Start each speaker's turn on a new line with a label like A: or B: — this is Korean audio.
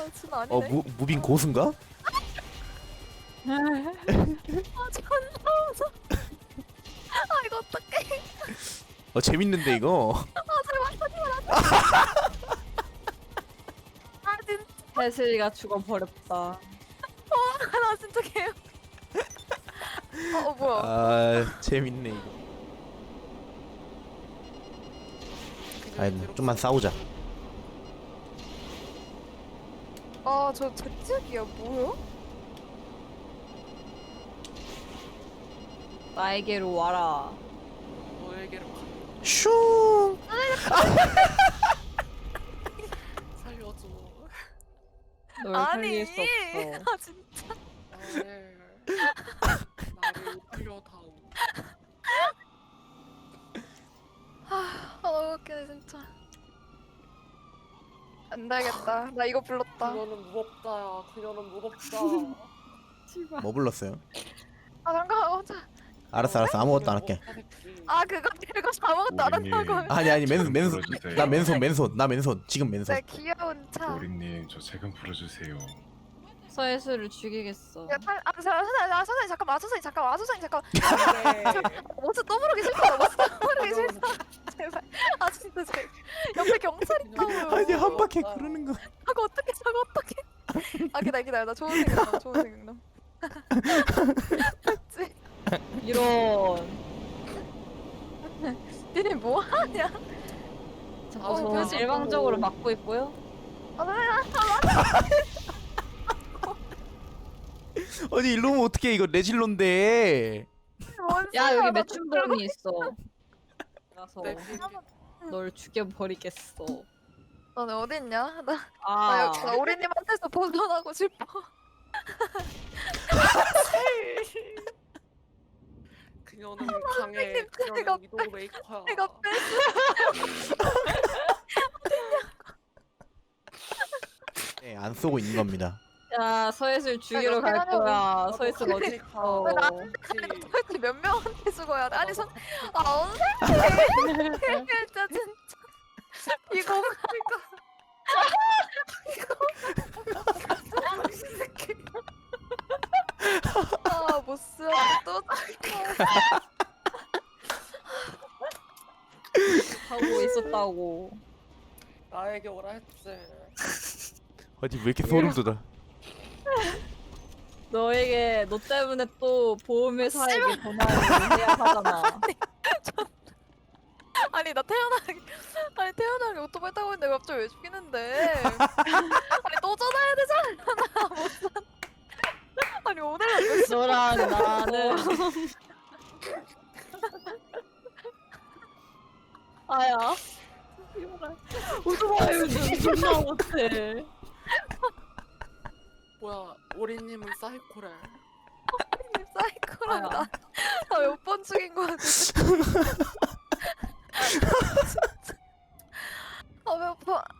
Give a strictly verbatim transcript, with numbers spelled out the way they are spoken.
A: 진짜 아니네.
B: 어 무, 무빙 고수인가?
A: 아 존나 무서워. 아 이거 어떡해.
B: 어 재밌는데 이거.
A: 아 제발 하지마 나. 아 진짜
C: 혜슬이가 죽어버렸다.
A: 나 진짜 개요. 어, 어 뭐야.
B: 아 재밌네 이거. 아니 좀만 싸우자.
A: 아저 제트기야 뭐야?
C: 나에게로 와라.
D: 너에게로 가.
B: 슝.
D: 살려줘.
C: 널
A: 아니.
C: 살릴 수 없어.
A: 아 진짜.
D: 나를 나를 살려다오.
A: 아 너무 웃기네 진짜. 안 되겠다. 나 이거 불렀다.
D: 그녀는 무겁다야. 그녀는 무겁다.
C: 씨발.
B: 뭐 불렀어요?
A: 아 잠깐만 혼자.
B: 알았어 알았어 아무것도 안 할게.
A: 아 그거 그거 아무것도 안 한다고.
E: 오리님,
B: 아니 아니 맨손 맨손.
E: 불러주세요.
B: 나 맨손 맨손 나 맨손 지금 맨손.
A: 내 귀여운 차.
E: 오리님 저 세금 풀어주세요.
C: 서혜슬을 죽이겠어.
A: 야, 탈, 아, 자, 선생님, 아, 선생님, 잠깐만, 아, 선생님, 잠깐만, 아, 선생님, 잠깐만.
D: 네.
A: 옷을 또 부르기 싫다, 옷을 또 부르기 싫다. 제발. 아, 진짜, 제 옆에 경찰 있다고요.
B: 아니 한 바퀴 구르는 거.
A: 저거 어떡해, 저거 어떡해. 아, 기다려, 기다려, 나 좋은 생각나, 좋은 생각나. 맞지?
C: 이런.
A: 니네 뭐 하냐?
C: 자꾸
A: 어,
C: 저는
A: 그래서
C: 일방적으로
A: 뭐-
C: 막고 있고요.
A: 아, 선생님,
B: 아니 일로 오면 어떡해 이거 레질론데.
A: 뭔
C: 야
A: 소리야,
C: 여기
A: 나
C: 매춘봉이 있어. 그래서
D: 네.
C: 널 죽여버리겠어.
A: 너네 어딨냐? 나, 나,
C: 아.
A: 여기, 나 오리님한테서 벗어나고 싶어.
D: 그녀는 강해.
A: 내가
D: 그녀는 위도우 메이커야.
A: 내가 뺐어.
B: 네, 안 쏘고 있는 겁니다.
C: 야 서혜슬 죽이러
A: 어떻게
C: 갈
A: 하냐고.
C: 거야. 서혜슬 어디 있어?
A: 왜 나한테 도대체 몇 명한테 죽어야 돼? 아니, 선, 아, 선생님! 진짜, 진짜. 이거, 아, 못 쓰. 또,
C: 하고 있었다고.
D: 나에게 오라 했지.
B: 아니 왜 이렇게 소름 돋아?
C: 너에게 너 때문에 또 보험회사에게 전화를 해야 하잖아.
A: 아니, 나 태어나기, 아니, 태어나기 오토바이 타고 있는데 갑자기 왜 죽이는데? 아니, 또 전화해야 되잖아. 못 산. 아니, 오늘 몇 시?
C: 너랑 나는 아야. 오토바이 운전 존나 못해.
D: 뭐야, 오리님은 사이코래.
A: 사이코랑
C: 아야.
A: 나, 나 몇 번 죽인 거야, 진짜.